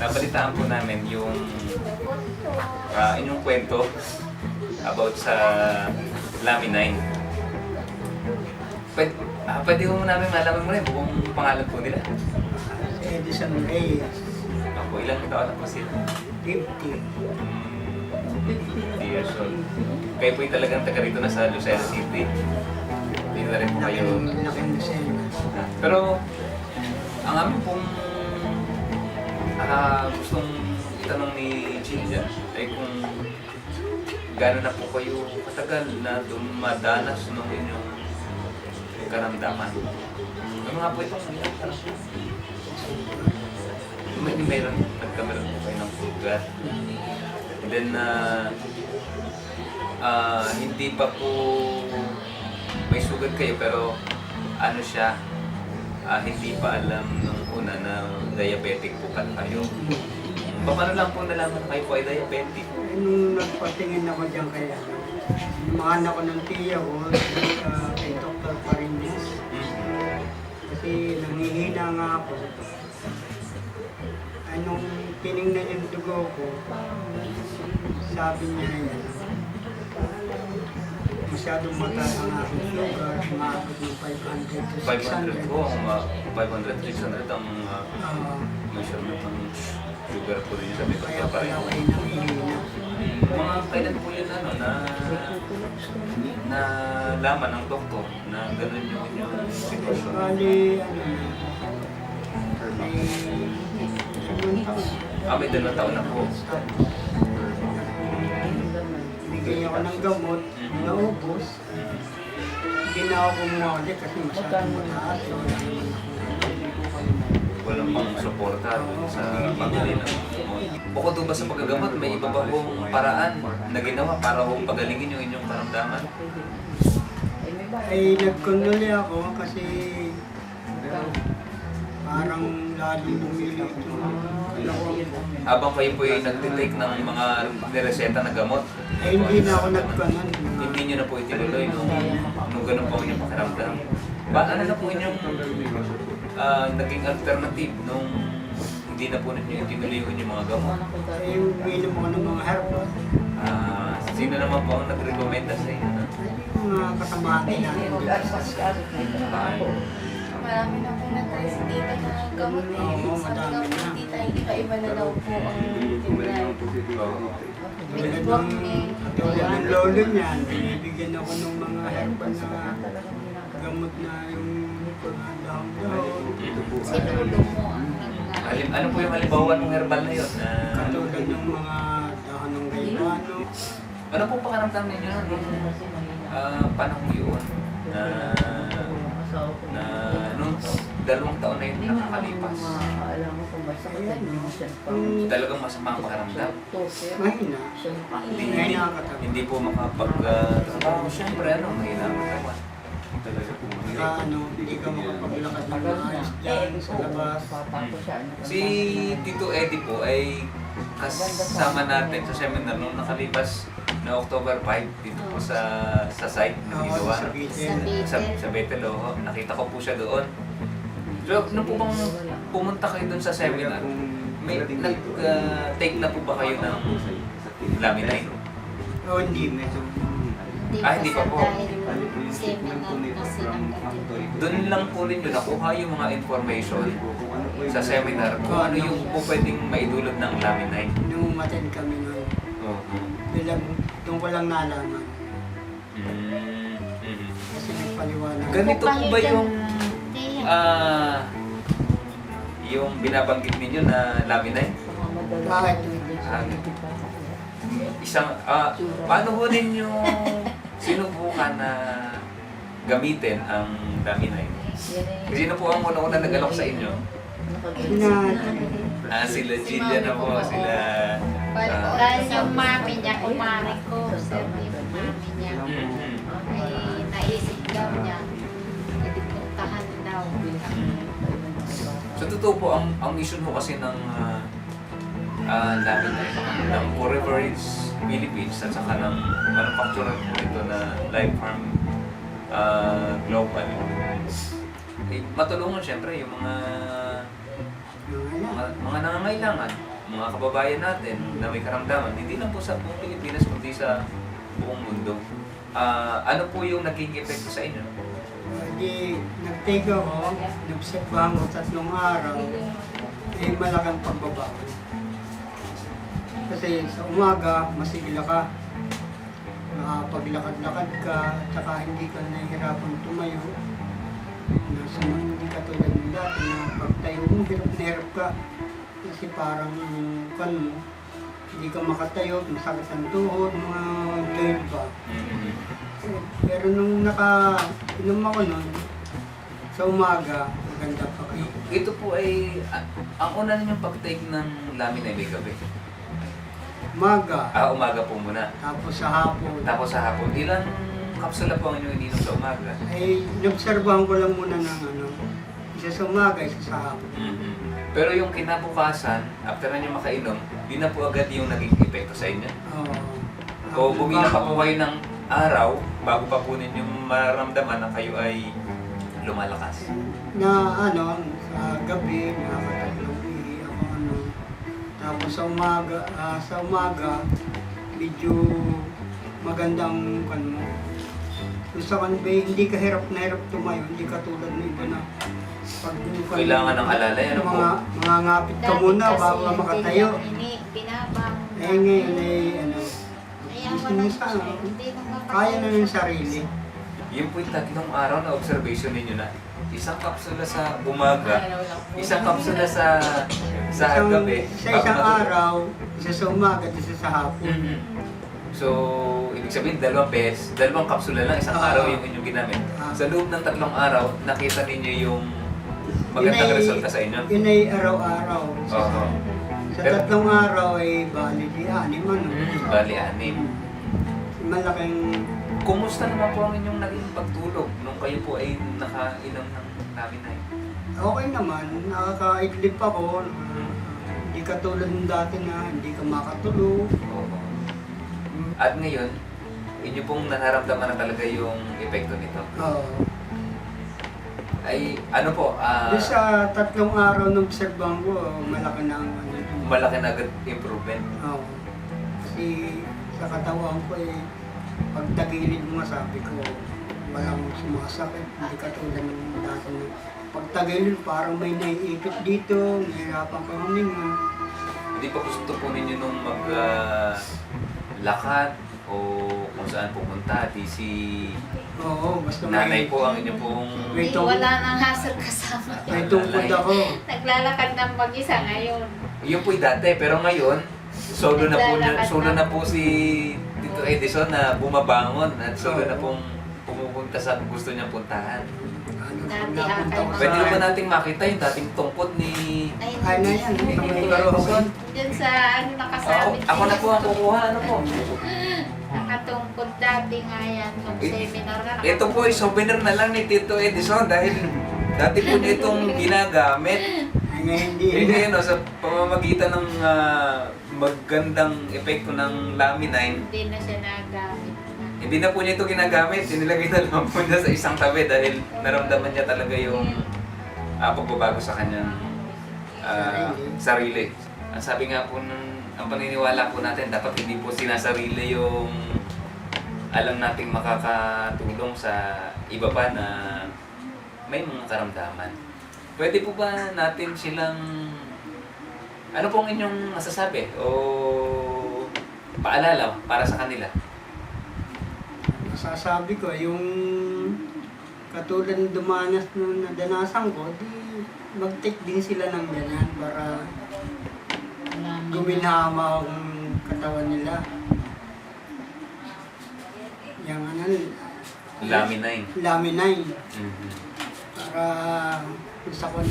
nabalitaan po namin yung inyong kwento about sa Laminine. Pwede mo namin malaman mo rin buong pangalan po nila. Edison Reyes, Ako, ilang taon na po sila? 50. 50 years old. Kayo po'y talagang taga rito na sa Lucena City. Hindi na rin po kayo. Laking Lucena. Pero, ang amin pong gustong itanong ni Ginger ay kung gano'n na po kayo katagal na dumadanas ng inyong karamdaman. Ano nga po itong mayroon, nagkameron po kayo ng sugat. And then, hindi pa po may sugat kayo pero ano siya, hindi pa alam nung una na diabetic po pala kayo. Paano lang po nalaman kayo po ay diabetic? Nung nagpatingin ako dyan kaya, lumahan ako ng tiya ko kay Dr. Parinis. Kasi nangihina nga ako. Anong tinignan yung dugo ko, sabi niya yan, masyadong mataas ang aking sugar, umaabot ng 500 to 500 po, 600. 500, 600 ang measurement ng sugar po rin sa Dr. Kaya pala Parinis. ako ay nangihina. Mga kailan po yun na laman ng doktor na gano'n yung inyong sitwasyon? Bali, may sunod taon. May 2 taon na po. Bigay ako ng gamot, naubos. Hindi na ako kumuha ulit kasi masyadong mataas. Walang pang suporta dun sa pagdali ng gamot. Bukod doon ba sa paggagamot, may iba ba pong paraan na ginawa para hong pagalingin yung inyong karamdaman? Ay, nagkondoli ako kasi parang lalo bumili ito. Habang kayo po yung nagtitake ng mga nireseta na gamot, Ay, hindi na ako nagkanon. hindi nyo na po itinuloy nung ganun po inyong pakiramdam. Ano na po inyong naging alternative nung hindi na po ninyo itinuloy yung inyong mga gamot? Ay, uminom ako ng mga herbal. Sino naman po ang nag-recommenda sa inyo? Mga kasamahan natin. Marami na po na-try si tita na gamot eh. Oo, Sabi madami nga po na. ni tita, iba-iba na daw po ang tinry. Tulad ng lolo niyan, binibigyan ako ng mga herbal na gamot na yung dahon-dahon. Si lolo mo ang Ano po yung halimbawa ng herbal na yun? Katulad ng mga dahon ng gaybano. Ano po pakaramdam ninyo nung panahon yun na nung 2 taon na yun nakakalipas? Talagang masama ang pakaramdam? Mahina. Hindi po makapag-trabaho. Siyempre, mahina ang katawan. Hindi ka makapaglakad ng maayos dyan sa labas. Si Tito Eddie po ay kasama natin sa seminar nung nakalipas na October 5 dito po sa site ng Oo, ginawa. sa Bicol. Sa Bethel, nakita ko po siya doon. So, nung po bang pumunta kayo doon sa seminar, may nag-take na po ba kayo ng Laminine? Oo, hindi. Hindi pa po. seminar kasi Doon lang po ninyo nakuha yung mga information sa seminar kung ano yung po pwedeng maidulot ng Laminine. Nung umaten kami nun, doon ko lang nalaman. Kasi nagpaliwanag. Ganito po ba yung binabanggit ninyo na Laminine? Bakit? Paano ho ninyo sinubukan na gamitin ang Laminine? Sino po ang una-una nag-alok sa inyo? Sila Gillia na po, sila... Dahil yung mami niya, kumari ko, sir, yung mami niya, ay naisip daw niya, idipuntahan daw. Sa totoo po, ang mission mo kasi ng Laminine, ng Foreverage Philippines at saka ng manufacturer po ito na Life Farm Global, matulungan siyempre yung mga nangangailangan mga kababayan natin na may karamdaman, hindi lang po sa buong Pilipinas, kundi sa buong mundo. Ano po yung naging epekto sa inyo? Di nag-take ako, nagsipahan ko 3 araw, malaking pagbabago. Kasi sa umaga, masigla ka, nakapaglakad-lakad ka, at saka hindi ka nahihirapan tumayo. Hindi ka tulad ng dati na pagtayo mo, hirap na hirap ka. Kasi parang kan mo, hindi ka makatayo, masakit ang tuhod, mga joint ba. Pero nung naka-inom ako nun, sa umaga, maganda pa kayo. Ito po ay, ang una ninyong pag-take ng lamin ay may gabi. Umaga, Umaga po muna. tapos sa hapon. Tapos sa hapon, ilang kapsula po ang inyong ininom sa umaga? Ay, inobserbahan ko lang muna ng isa sa umaga, isa sa hapon. Pero yung kinabukasan, after na nyo makainom, yun na po agad yung naging epekto sa inyo? Oo. O bumila pa po kayo ng araw, bago pa po ninyong mararamdaman na kayo ay lumalakas? Na sa gabi, nakakatatlong ihi ako Tapos sa umaga, medyo magandang mo. Gusto ko hindi ka hirap na hirap tumayo, hindi ka tulad ng iba na pag Kailangan ng alalay, ano po? mga ngapit ka muna bago ka makatayo. Pinabang. Ngayon Ayaw gusto mo mo na sa hindi mo kaya na ng sarili. Yung po yung 3 araw na observation ninyo na isang kapsula sa umaga, isang kapsula sa gabi. Sa isang araw, isa sa umaga, isa sa hapon. So, ibig sabihin, 2 beses, 2 kapsula lang, isang araw yung inyong ginamit. Sa loob ng 3 araw, nakita ninyo yung magandang resulta sa inyo? Yun ay araw-araw. Oo. Sa 3 araw ay bali di 6 Bali, 6. Malaking Kumusta naman po ang inyong naging pagtulog nung kayo po ay nakainom ng laminay? okay naman, nakakaidlip ako. Hindi ka tulad ng dati na hindi ka makatulog. Oo. At ngayon, inyo pong nararamdaman na talaga yung epekto nito. Oo. Ay, ano po, Doon sa 3 araw ng obserbahan ko, malaki na ang malaki na agad improvement. Oo. Kasi sa katawan ko pag tagilid mo sabi ko, walang sumasakit, hindi ka tulad ng dati na pag tagilid parang may naiipit dito, nahirapan ka huminga. Hindi pa gusto po ninyo nung lakad o kung saan pupunta, di si Oo, basta nanay po ang inyo pong... May Hindi, wala nang hassle kasama. may tungkod ako. Naglalakad ng mag-isa ngayon. Yun po'y dati, pero ngayon, solo na po si Tito Edison na bumabangon at solo na pong pumupunta sa gusto niyang puntahan. Dati Napunta ko Pwede sa- naman nating makita yung dating tungkot ni... Ay na yan, Tito may Edison. Diyan sa nakasabit. Ako na po ang kukuha, ano po? Nakatungkod dati nga yan. Nung seminar na. Ito po ay souvenir na lang ni Tito Edison dahil dati po niya itong ginagamit. Ay ngayon hindi. Hindi yun, sa pamamagitan ng magandang epekto ng laminine, Hindi na siya nagamit. hindi na po niya ito ginagamit. Inilagay na lang po niya sa isang tabi dahil naramdaman niya talaga yung pagbabago sa kanyang sarili. Ang sabi nga po ang paniniwala po natin, dapat hindi po sinasarili yung alam nating makakatulong sa iba pa na may mga karamdaman. Pwede po ba natin silang, ano pong inyong masasabi o paalala para sa kanila? Masasabi ko, yung katulad ng dumanas nung nadanasan ko, di mag-take din sila ng ganyan para guminhama ang katawan nila. Yung Laminine. laminine. Mhm. Para sa ko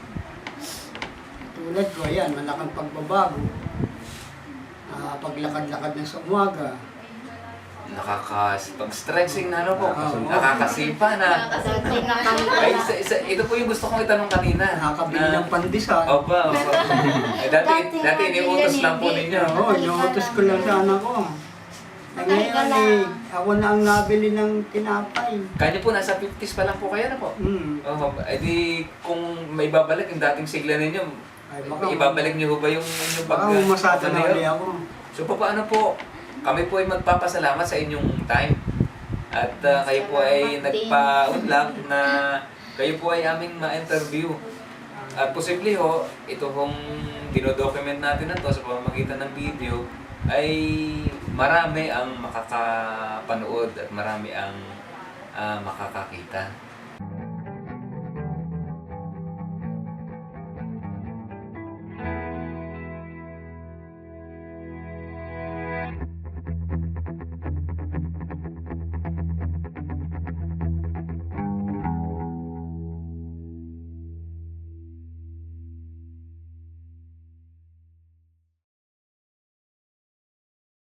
tulad ko, ayan, malaking pagbabago. Paglakad-lakad na sa umaga. Pag-stretching na ano po, Oo. nakakasipa na. Ay, ito po yung gusto kong itanong kanina. Nakakabili ng pandesal. Opa. Dati iniutos lang po ninyo. Oo, inuutos ko lang sa anak ko. Ngayon ako na ang nabili ng tinapay. Kanya po, nasa 50s pa lang po kayo na po. Mm. Oh, edi kung may babalik yung dating sigla ninyo, Ay, baka, Ibabalik niyo ho ba yung inyong baka masada na pagkakatayo? ulit ako. So paano po? Kami po ay magpapasalamat sa inyong time. At kayo po ay Salamat din. nagpaunlak na kayo po ay aming ma-interview. At posible ho, ito hong dinodocument natin na to sa pamamagitan ng video ay marami ang makakapanood at marami ang makakakita.